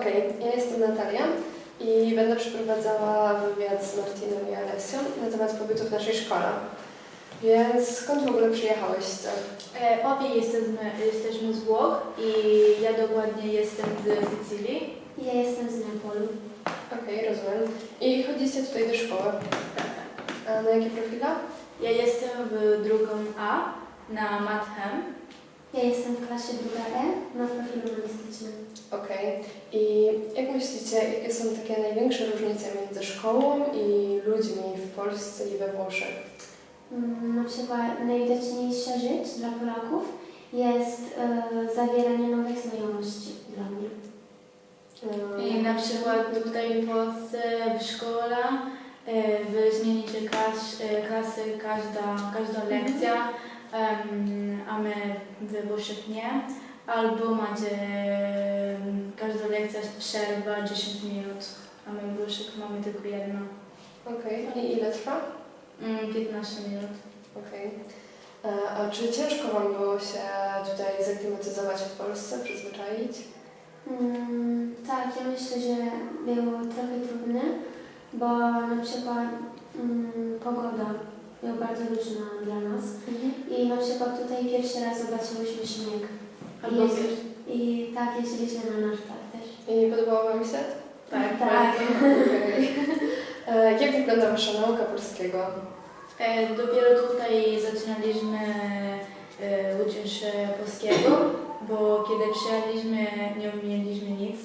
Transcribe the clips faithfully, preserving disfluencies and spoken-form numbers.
Okej, ja jestem Natalia i będę przeprowadzała wywiad z Martinem i Alessią na temat pobytu w naszej szkole. Więc skąd w ogóle przyjechałyście? E, obie jesteśmy, jesteśmy z Włoch i ja dokładnie jestem z Sycylii. Ja jestem z Neapolu. Okej, rozumiem. I chodzicie tutaj do szkoły. A na jakie profile? Ja jestem w drugą A na Mathem. Ja jestem w klasie druga E na profilu humanistycznym. Okej. I jak myślicie, jakie są takie największe różnice między szkołą i ludźmi w Polsce i we Włoszech? Mm, Na przykład najwidoczniejsza rzecz dla Polaków jest e, zawieranie nowych znajomości dla mnie. I na przykład tutaj w Polsce w szkole e, wy zmienicie klas, e, klasy każda, każda lekcja, em, a my we Włoszech nie. Albo macie em, każda lekcja przerwa dziesięć minut, a my w Włoszech mamy tylko jedną. Okej. I ile trwa? Mm, piętnaście minut. Okej. E, A czy ciężko Wam było się tutaj zaklimatyzować w Polsce, przyzwyczaić? Mm, tak, ja myślę, że było trochę trudne, bo na przykład mm, pogoda była bardzo różna dla nas. I na przykład tutaj pierwszy raz zobaczyłyśmy śnieg. Albo I, wiesz. I tak, jeździliśmy na nartach też. I podobało Wam się? Tak, Tak. Okej. E, Jak wygląda Wasza nauka polskiego? E, dopiero tutaj zaczynaliśmy e, uczyć się polskiego, bo kiedy przyjechaliśmy nie umieliśmy nic.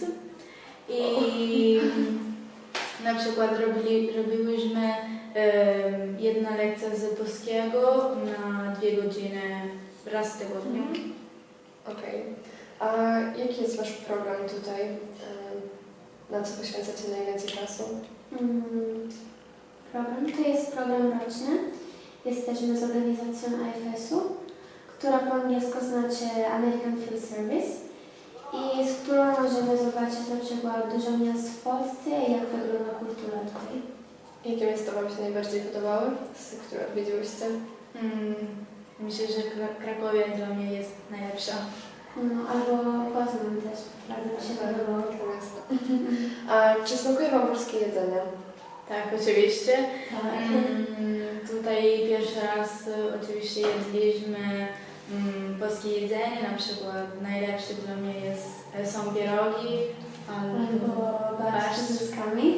I na przykład robili, robiłyśmy e, jedna lekcja z polskiego na dwie godziny raz w tygodniu. Okej. A jaki jest Wasz program tutaj? E, Na co poświęcacie najwięcej czasu? Mm, program to jest program roczny. Jesteśmy z organizacją A F S-u, która po angielsku znaczy American Field Service i z którą możemy zobaczyć na przykład dużo miast w Polsce i jak wygląda kultura tutaj. Jakie miasta Wam się najbardziej podobały, z które odwiedziłyście? Mm, myślę, że Kra- Krakowie dla mnie jest najlepsza. No, albo Poznań też, bardzo mi się podobało. To miasto. A czy smakuje Wam polskie jedzenie? Tak, oczywiście. Tak. Mm, tutaj pierwszy raz e, oczywiście jedliśmy mm, polskie jedzenie, na przykład najlepsze dla mnie jest, e, są pierogi Albo barszcz barszcz. z zyskami.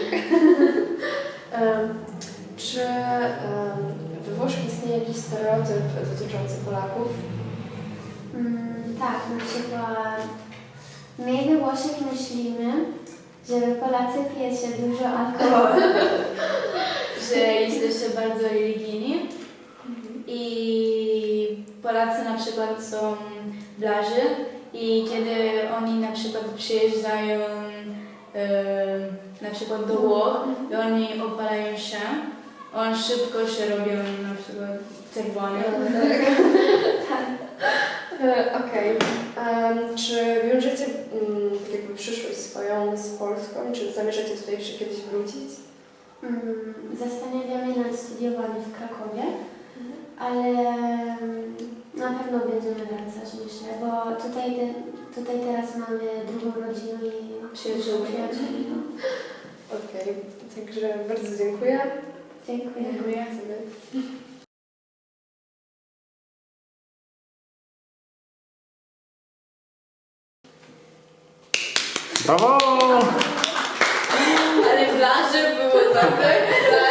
Em, Czy em, we Włoszech istnieje jakiś stereotyp dotyczący Polaków? Mm, tak, na przykład my we Włoszech myślimy, że wy Polacy pijecie dużo alkoholu. że jesteście bardzo religijni i Polacy na przykład są blarzy i kiedy oni na przykład przyjeżdżają e, na przykład do Włoch i oni opalają się, on szybko się robią na przykład czerwony. Tak. E, Okej. Em, Czy wiążecie mm, tak jakby przyszłość swoją z Polską? Czy zamierzacie tutaj jeszcze kiedyś wrócić? Mm, Zastanawiamy nad studiowaniem w Krakowie, ale mm, na pewno będziemy wracać, myślę, bo tutaj, te, tutaj teraz mamy drugą rodzinę i Przyjaciółmi. przyjaciółmi, no. Okej. Także bardzo dziękuję. Dziękuję. Dziękuję. Brawo! Ale blaże było dobre.